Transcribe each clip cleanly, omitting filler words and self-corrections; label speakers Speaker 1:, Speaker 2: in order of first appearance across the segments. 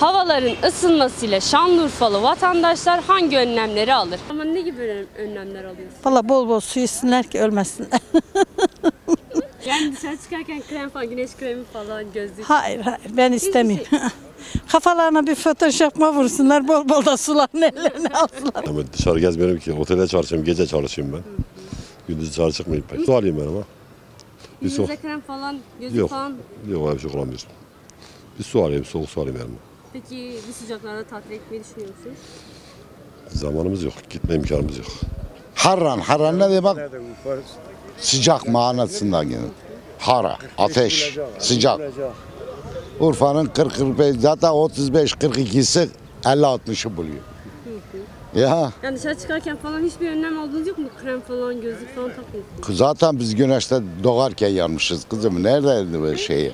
Speaker 1: Havaların ısınmasıyla Şanlıurfalı vatandaşlar hangi önlemleri alır? Ama ne gibi önlemler alıyorsun?
Speaker 2: Valla bol bol su içsinler ki ölmesinler.
Speaker 1: Yani dışarı çıkarken krem falan, güneş kremi falan, gözlük.
Speaker 2: Hayır ben istemiyorum. Kafalarına bir photoshopma vursunlar, bol bol da suların ellerine alsınlar.
Speaker 3: Ama dışarı gezmiyorum ki. Otelde çalışıyorum, gece çalışıyorum ben. Gündüz dışarı çıkmayayım pek. Su alayım ben ama. Bir su.
Speaker 1: Yüzünüze krem falan, gözlük
Speaker 3: Yok.
Speaker 1: falan.
Speaker 3: Yok öyle bir şey kullanmıyorum. Bir su alayım, soğuk su alayım yanıma.
Speaker 1: Peki bu sıcaklarda tatil etmeyi düşünüyor musunuz?
Speaker 3: Zamanımız yok, gitme imkanımız yok.
Speaker 4: Harran ne demek? Sıcak manasından gelir. Hara, ateş, sıcak. Urfa'nın 40-45, zaten 35-42'si 50-60'ı buluyor. Ya
Speaker 1: Yani dışarı çıkarken falan hiçbir önlem aldığınız yok mu? Krem falan, gözlük falan takmıyorsunuz.
Speaker 4: zaten biz güneşte doğarken yanmışız kızım. Neredeydi böyle şeyi?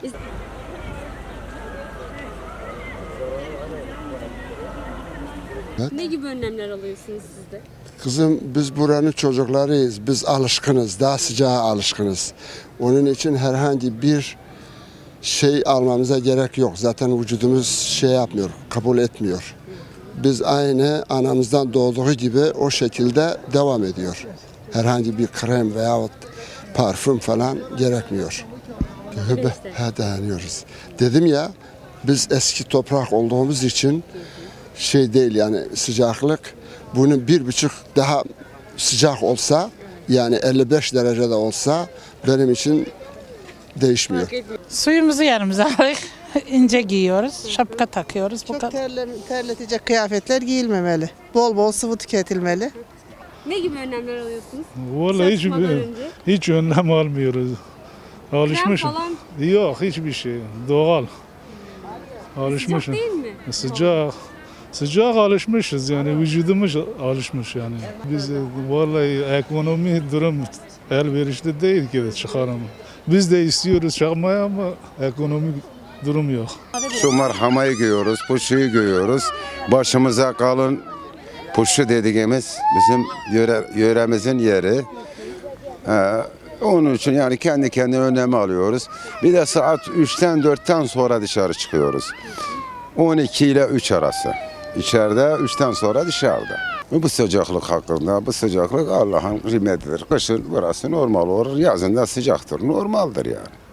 Speaker 1: Ne gibi önlemler alıyorsunuz siz de?
Speaker 5: Kızım biz buranın çocuklarıyız. Biz alışkınız. Daha sıcağa alışkınız. Onun için herhangi bir şey almamıza gerek yok. Zaten vücudumuz şey yapmıyor, kabul etmiyor. Biz aynı anamızdan doğduğu gibi o şekilde devam ediyor. Herhangi bir krem veyahut parfüm falan gerekmiyor. Dayanıyoruz. Dedim ya biz eski toprak olduğumuz için şey değil yani sıcaklık bunun 1,5 daha sıcak olsa yani 55 derecede olsa benim için değişmiyor.
Speaker 2: Suyumuzu yanımıza aldık. İnce giyiyoruz, şapka takıyoruz. Bu
Speaker 6: Çok
Speaker 2: kadar.
Speaker 6: terletecek kıyafetler giyilmemeli. Bol bol sıvı tüketilmeli.
Speaker 1: Ne gibi önlemler alıyorsunuz?
Speaker 7: Vallahi
Speaker 1: Çıkmadan önce.
Speaker 7: hiç önlem almıyoruz. Alışmışım.
Speaker 1: falan.
Speaker 7: Yok hiçbir şey. Doğal.
Speaker 1: Sıcak
Speaker 7: Alışmışım.
Speaker 1: değil mi?
Speaker 7: Sıcak. Sıcak alışmışız yani vücudumuz alışmış yani. Biz vallahi ekonomi durum elverişli değil ki de çıkaralım. Biz de istiyoruz çıkmaya ama ekonomik durum yok.
Speaker 8: Şu marhamayı giyiyoruz, puşuyu giyiyoruz. Başımıza kalın puşu dediğimiz bizim yöremizin yeri. Onun için yani kendi kendine önlemi alıyoruz. Bir de saat 3'ten 4'ten sonra dışarı çıkıyoruz. 12 ile 3 arası. İçeride 3'ten sonra dışarıda. Bu sıcaklık hakkında, bu sıcaklık Allah'ın kıymetidir. Kışın burası normal olur, yazın da sıcaktır, normaldir yani.